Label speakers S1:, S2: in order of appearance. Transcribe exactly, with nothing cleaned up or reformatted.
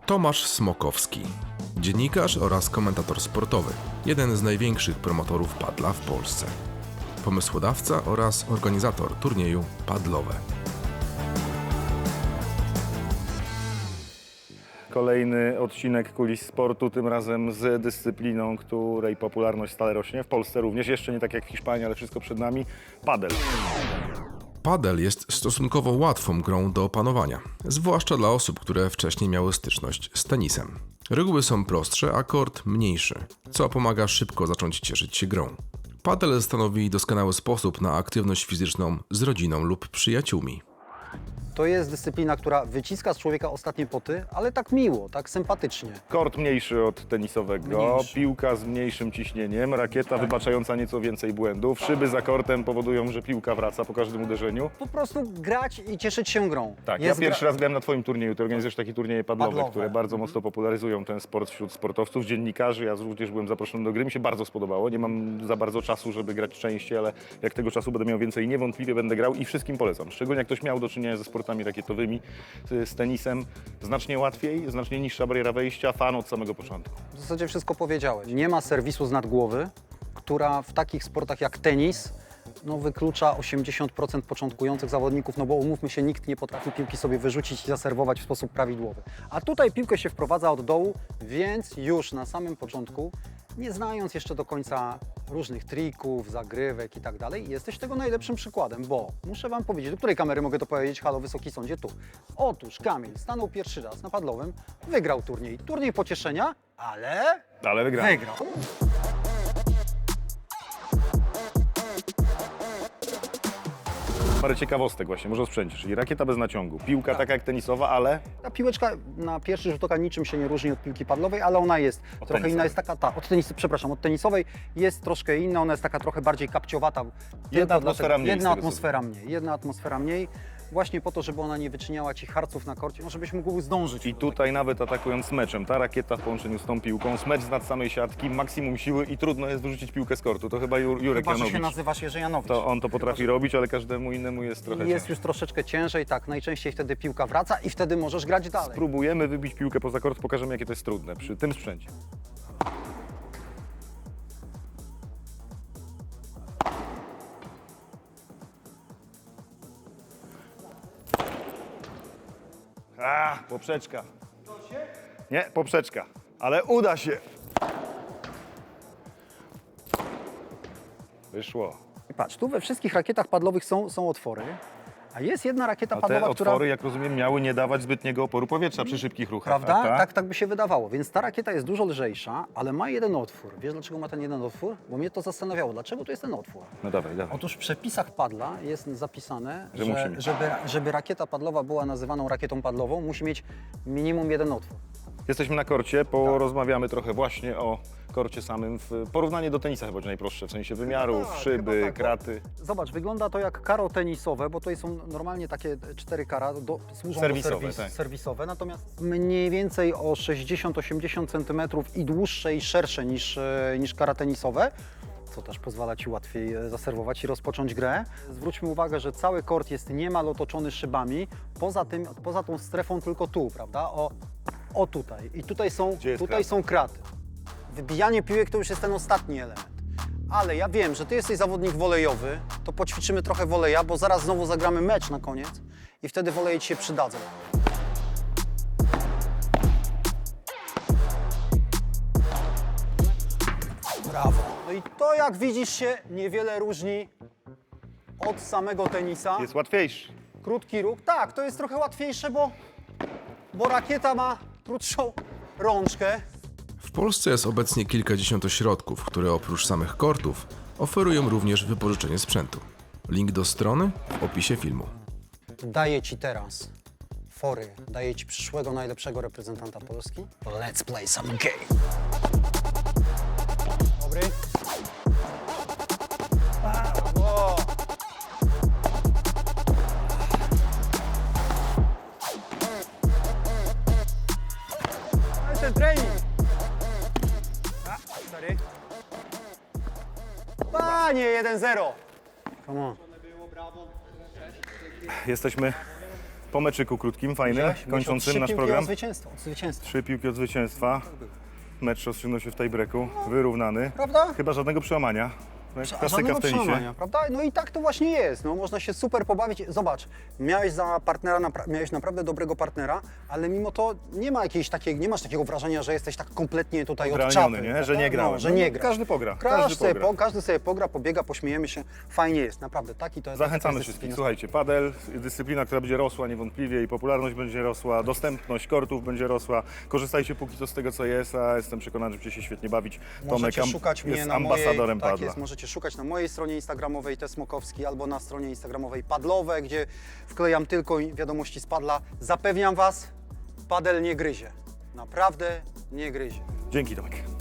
S1: Tomasz Smokowski, dziennikarz oraz komentator sportowy, jeden z największych promotorów padla w Polsce. Pomysłodawca oraz organizator turnieju Padlowe.
S2: Kolejny odcinek Kulis Sportu, tym razem z dyscypliną, której popularność stale rośnie. W Polsce również, jeszcze nie tak jak w Hiszpanii, ale wszystko przed nami. Padel.
S1: Padel jest stosunkowo łatwą grą do opanowania, zwłaszcza dla osób, które wcześniej miały styczność z tenisem. Reguły są prostsze, a kort mniejszy, co pomaga szybko zacząć cieszyć się grą. Padel stanowi doskonały sposób na aktywność fizyczną z rodziną lub przyjaciółmi.
S3: To jest dyscyplina, która wyciska z człowieka ostatnie poty, ale tak miło, tak sympatycznie.
S2: Kort mniejszy od tenisowego,
S3: Mniejszy.
S2: piłka z mniejszym ciśnieniem, rakieta wybaczająca nieco więcej błędów, szyby za kortem powodują, że piłka wraca po każdym uderzeniu.
S3: Po prostu grać i cieszyć się grą.
S2: Tak,
S3: Jest
S2: ja pierwszy
S3: gra...
S2: raz grałem na Twoim turnieju, Ty organizujesz takie turnieje padlowe,
S3: Padlowe.
S2: które bardzo mocno popularyzują ten sport wśród sportowców, dziennikarzy. Ja również byłem zaproszony do gry, mi się bardzo spodobało. Nie mam za bardzo czasu, żeby grać częściej, ale jak tego czasu będę miał więcej, niewątpliwie będę grał i wszystkim polecam. Szczególnie jak ktoś miał do czynienia ze sportami rakietowymi, z tenisem, znacznie łatwiej, znacznie niższa bariera wejścia, fan od samego początku.
S3: W zasadzie wszystko powiedziałeś. Nie ma serwisu z nad głowy, która w takich sportach jak tenis no, wyklucza osiemdziesiąt procent początkujących zawodników, no bo umówmy się, nikt nie potrafi piłki sobie wyrzucić i zaserwować w sposób prawidłowy. A tutaj piłkę się wprowadza od dołu, więc już na samym początku, nie znając jeszcze do końca różnych trików, zagrywek i tak dalej, jesteś tego najlepszym przykładem, bo muszę Wam powiedzieć, do której kamery mogę to powiedzieć? Halo, Wysoki Sądzie, tu. Otóż Kamil stanął pierwszy raz na padlowym, wygrał turniej. Turniej pocieszenia, ale
S2: Ale wygrałem.
S3: wygrał.
S2: Parę ciekawostek właśnie, może o sprzęcie, czyli rakieta bez naciągu, piłka
S3: Tak.
S2: taka jak tenisowa, ale
S3: Ta piłeczka na pierwszy rzut oka niczym się nie różni od piłki padlowej, ale ona jest
S2: Od
S3: trochę
S2: tenisowej.
S3: inna, jest taka, ta, od tenisy, przepraszam, od tenisowej jest troszkę inna, ona jest taka trochę bardziej kapciowata. Tylko
S2: atmosfera
S3: dlatego-
S2: mniej, z
S3: Jedna
S2: tego, co
S3: atmosfera mniej, jedna atmosfera mniej, właśnie po to, żeby ona nie wyczyniała Ci harców na korcie, no żebyś mógł zdążyć.
S2: i tutaj nawet atakując meczem, ta rakieta w połączeniu z tą piłką, smecz z nad samej siatki, maksimum siły i trudno jest wyrzucić piłkę z kortu. To chyba Jur Jurek
S3: Chyba, że się
S2: Janowicz.
S3: nazywasz Jerzy Janowicz.
S2: To on to potrafi robić, ale każdemu innemu jest trochę
S3: Jest
S2: ciężej.
S3: już troszeczkę ciężej, tak, najczęściej wtedy piłka wraca i wtedy możesz grać dalej.
S2: Spróbujemy wybić piłkę poza kort, pokażemy jakie to jest trudne przy tym sprzęcie. A, poprzeczka. Nie, poprzeczka, ale uda się. Wyszło.
S3: I patrz, tu we wszystkich rakietach padlowych są, są otwory, a jest jedna rakieta
S2: A te
S3: padlowa, która...
S2: otwory, jak rozumiem, miały nie dawać zbytniego oporu powietrza przy szybkich ruchach.
S3: Prawda?
S2: a ta?
S3: Tak, tak by się wydawało. Więc ta rakieta jest dużo lżejsza, ale ma jeden otwór. Wiesz, dlaczego ma ten jeden otwór? Bo mnie to zastanawiało. Dlaczego tu jest ten otwór?
S2: No dawaj, dawaj.
S3: Otóż w przepisach padla jest zapisane,
S2: Że
S3: że,
S2: musi mieć.
S3: żeby, żeby rakieta padlowa była nazywaną rakietą padlową, musi mieć minimum jeden otwór.
S2: Jesteśmy na korcie,
S3: Tak.
S2: porozmawiamy trochę właśnie o korcie samym. W porównanie do tenisa chyba będzie najprostsze, w sensie wymiarów,
S3: tak,
S2: szyby,
S3: chyba tak, bo-
S2: kraty.
S3: Zobacz, wygląda to jak karo tenisowe, bo to są normalnie takie cztery kara, do, służą
S2: Serwisowe,
S3: do serwis,
S2: tak.
S3: serwisowe, natomiast mniej więcej o sześćdziesiąt osiemdziesiąt centymetrów i dłuższe i szersze niż, e, niż kara tenisowe, co też pozwala Ci łatwiej e, zaserwować i rozpocząć grę. Zwróćmy uwagę, że cały kort jest niemal otoczony szybami, poza tym, poza tą strefą tylko tu, prawda? O, o tutaj. I tutaj są,
S2: Gdzie jest
S3: tutaj
S2: krata?
S3: są kraty. Wybijanie piłek to już jest ten ostatni element. Ale ja wiem, że Ty jesteś zawodnik wolejowy, to poćwiczymy trochę woleja, bo zaraz znowu zagramy mecz na koniec i wtedy woleje Ci się przydadzą. Brawo. No i to, jak widzisz, się niewiele różni od samego tenisa.
S2: Jest łatwiejszy.
S3: Krótki róg. Tak, to jest trochę łatwiejsze, bo, bo rakieta ma krótszą rączkę.
S1: W Polsce jest obecnie kilkadziesiąt ośrodków, które oprócz samych kortów oferują również wypożyczenie sprzętu. Link do strony w opisie filmu.
S3: Daję Ci teraz fory, daję Ci przyszłego najlepszego reprezentanta Polski. Let's play some game. Dobry. Brawo. No i ten trening. A, sorry. Panie, jeden zero. Come on.
S2: Jesteśmy Po meczyku krótkim, fajnym,
S3: Widziałeś?
S2: kończącym
S3: Trzy
S2: nasz
S3: piłki
S2: program.
S3: Od zwycięstwa, od zwycięstwa.
S2: Trzy piłki od zwycięstwa. Mecz rozstrzygnął się w tiebreaku, wyrównany.
S3: Prawda?
S2: Chyba żadnego przełamania. Jak Klasyka
S3: Żadnego
S2: w tenisie.
S3: przełamania, prawda? No i tak to właśnie jest. No, można się super pobawić. Zobacz, miałeś za partnera, napra- miałeś naprawdę dobrego partnera, ale mimo to nie ma jakiejś takiej, nie masz takiego wrażenia, że jesteś tak kompletnie tutaj od
S2: Odrealniony,
S3: czapy.
S2: nie?
S3: prawda?
S2: Że nie grałem.
S3: No, że nie
S2: No,
S3: gra.
S2: każdy pogra,
S3: Każdy,
S2: każdy
S3: sobie
S2: pogra.
S3: Po, każdy sobie pogra, pobiega, pośmiejemy się. Fajnie jest, naprawdę. Taki to jest. taka
S2: Zachęcamy
S3: jest
S2: wszystkich.
S3: dyscyplina.
S2: Słuchajcie, padel, dyscyplina, która będzie rosła niewątpliwie i popularność będzie rosła, dostępność kortów będzie rosła. Korzystajcie póki co z tego, co jest, a jestem przekonany, że będziecie się świetnie bawić.
S3: Możecie
S2: am-
S3: szukać mnie
S2: jest
S3: na mojej,
S2: ambasadorem
S3: tak
S2: padla.
S3: jest, możecie szukać na mojej stronie instagramowej T Smokowski albo na stronie instagramowej Padlowe, gdzie wklejam tylko wiadomości z padla. Zapewniam Was, padel nie gryzie. Naprawdę nie gryzie.
S2: Dzięki, Tomek.